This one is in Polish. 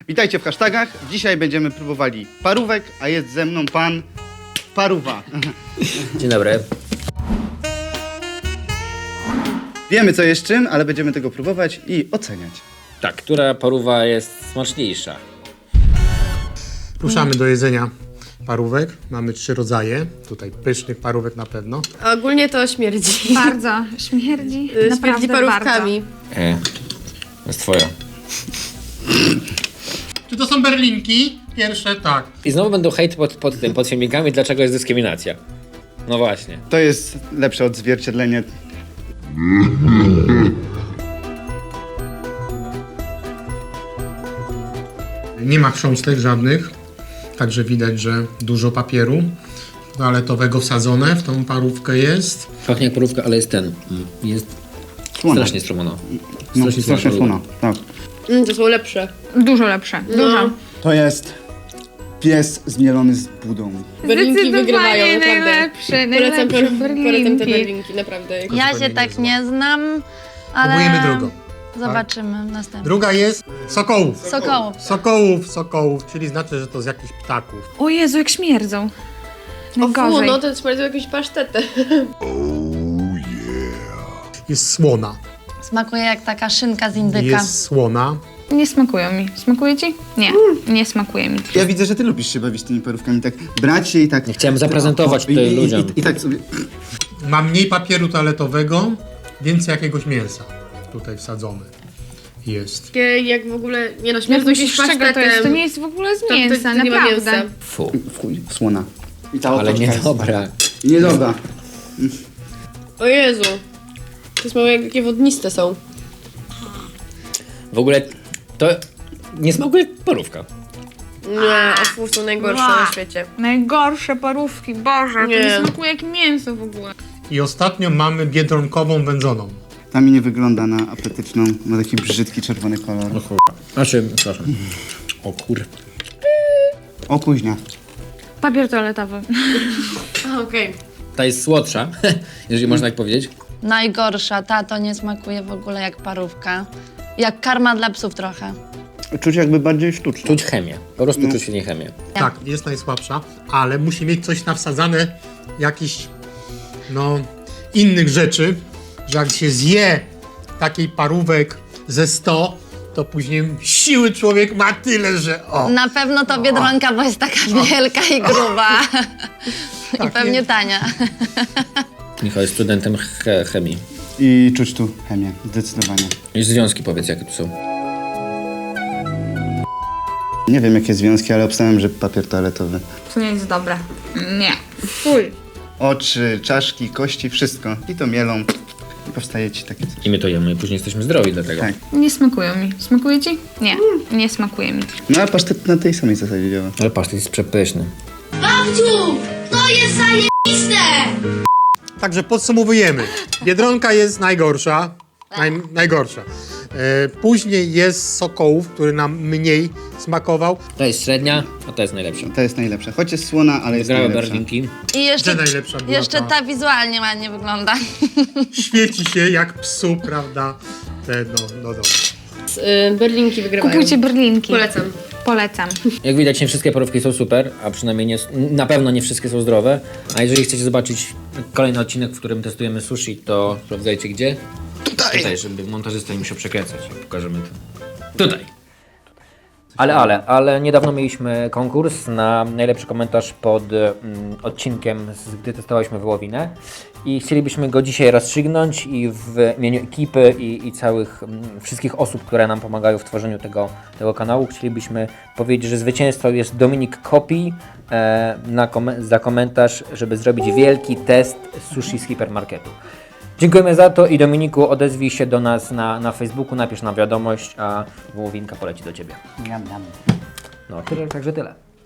Witajcie w hashtagach. Dzisiaj będziemy próbowali parówek, a jest ze mną pan Paruwa. Dzień dobry. Wiemy co jest czym, ale będziemy tego próbować i oceniać. Tak, która parówa jest smaczniejsza? Ruszamy do jedzenia parówek. Mamy 3 rodzaje. Tutaj pysznych parówek na pewno. A ogólnie to śmierdzi. Bardzo. Śmierdzi. Śmierdzi Naprawdę parówkami. To jest twoja. Czy to są berlinki? Pierwsze tak. I znowu będą hejt pod filmikami, dlaczego jest dyskryminacja. No właśnie. To jest lepsze odzwierciedlenie. Nie ma chrząstek żadnych. Także widać, że dużo papieru toaletowego wsadzone w tą parówkę jest. Pachnie jak parówka, ale jest jest Słona. strasznie strumona. No, strasznie słona. Tak. To są lepsze. Dużo lepsze. Dużo. To jest pies zmielony z budą. Berlinki wygrywają, naprawdę. Najlepsze Polecam te berlinki. berlinki, naprawdę. Ja się zupełnie tak niezła. nie znam, ale Próbujemy drugą. zobaczymy następnie. Druga jest sokołów. Sokołów. Sokołów, czyli znaczy, że to z jakichś ptaków. O Jezu, jak śmierdzą. O fu, Najgorzej. no to smarują jakąś pasztetę. Jest słona. Smakuje jak taka szynka z indyka. Jest słona. Nie smakują mi. Smakuje ci? Nie. Nie smakuje mi. Ja widzę, że ty lubisz się bawić tymi parówkami, tak brać się i tak... Nie chciałem zaprezentować tutaj ludziom. I tak sobie... Ma mniej papieru toaletowego, więcej jakiegoś mięsa tutaj wsadzone jest. Takie jak w ogóle, nie no, Jak śmierdzą jakimś myślisz, z czego to jest? To pasztetem. nie jest w ogóle z To mięsa, nie ma naprawdę. mięsa. Fu, W chuj, słona. I ta ale otoczka jest- niedobra. Niedobra. O Jezu. To smarują jak takie wodniste są. W ogóle to nie smakuje jak parówka. Nie, o fu, są najgorsze na świecie. Najgorsze parówki, Boże. Nie. To nie smakuje jak mięso w ogóle. I ostatnio mamy biedronkową wędzoną. Ta mi nie wygląda na apetyczną. Ma taki brzydki czerwony kolor. Przepraszam. O kur... O kuźnia. Papier toaletowy. A, okej. Ta jest słodsza, jeżeli można tak powiedzieć. Najgorsza, ta to nie smakuje w ogóle jak parówka. Jak karma dla psów trochę. Czuć jakby bardziej sztuczne. Czuć chemię. Po prostu czuć w niej chemię. Tak, jest najsłabsza, ale musi mieć coś nawsadzane, jakichś, no, innych rzeczy, że jak się zje takiej parówek ze 100, to później siły człowiek ma tyle, że o. Na pewno to Biedronka, bo jest taka wielka i gruba. I Tak, pewnie jest. tania. Michał jest studentem chemii. I czuć tu chemię, zdecydowanie. I związki powiedz, jakie tu są. Nie wiem jakie związki, ale obstawiam, że papier toaletowy. To nie jest dobre. Nie. Fuj. Oczy, czaszki, kości, wszystko. I to mielą. I powstaje ci takie coś. I my to jemy i później jesteśmy zdrowi dlatego. Tak. Nie smakują mi. Smakuje ci? Nie. Nie smakuje mi. No a pasztet na tej samej zasadzie działa. Ale pasztet jest przepyszny. Babciu, to jest zajebiste! Także podsumowujemy. Biedronka jest najgorsza. Najgorsza. Później jest sokołów, który nam mniej smakował. Ta jest średnia, a ta jest najlepsza. To jest najlepsze. Choć jest słona, ale jest Grałem najlepsza. berlinki. I jeszcze, Gdzie najlepsza była jeszcze ta? ta wizualnie ładnie wygląda. Świeci się jak psu, prawda? No dobra. Berlinki wygrywają. Kupujcie berlinki. Polecam. Polecam. Jak widać, nie wszystkie parówki są super, a przynajmniej na pewno nie wszystkie są zdrowe. A jeżeli chcecie zobaczyć kolejny odcinek, w którym testujemy sushi, to sprawdzajcie gdzie? Tutaj, żeby montażysta nie musiał przekręcać. Pokażemy to. Tutaj. Ale niedawno mieliśmy konkurs na najlepszy komentarz pod odcinkiem, gdy testowaliśmy wołowinę i chcielibyśmy go dzisiaj rozstrzygnąć i w imieniu ekipy i całych wszystkich osób, które nam pomagają w tworzeniu tego kanału, chcielibyśmy powiedzieć, że zwycięzcą jest Dominik Kopi za komentarz, żeby zrobić wielki test sushi z hipermarketu. Dziękujemy za to i Dominiku, odezwij się do nas na Facebooku, napisz nam wiadomość, a wołowinka poleci do Ciebie. No, także tyle.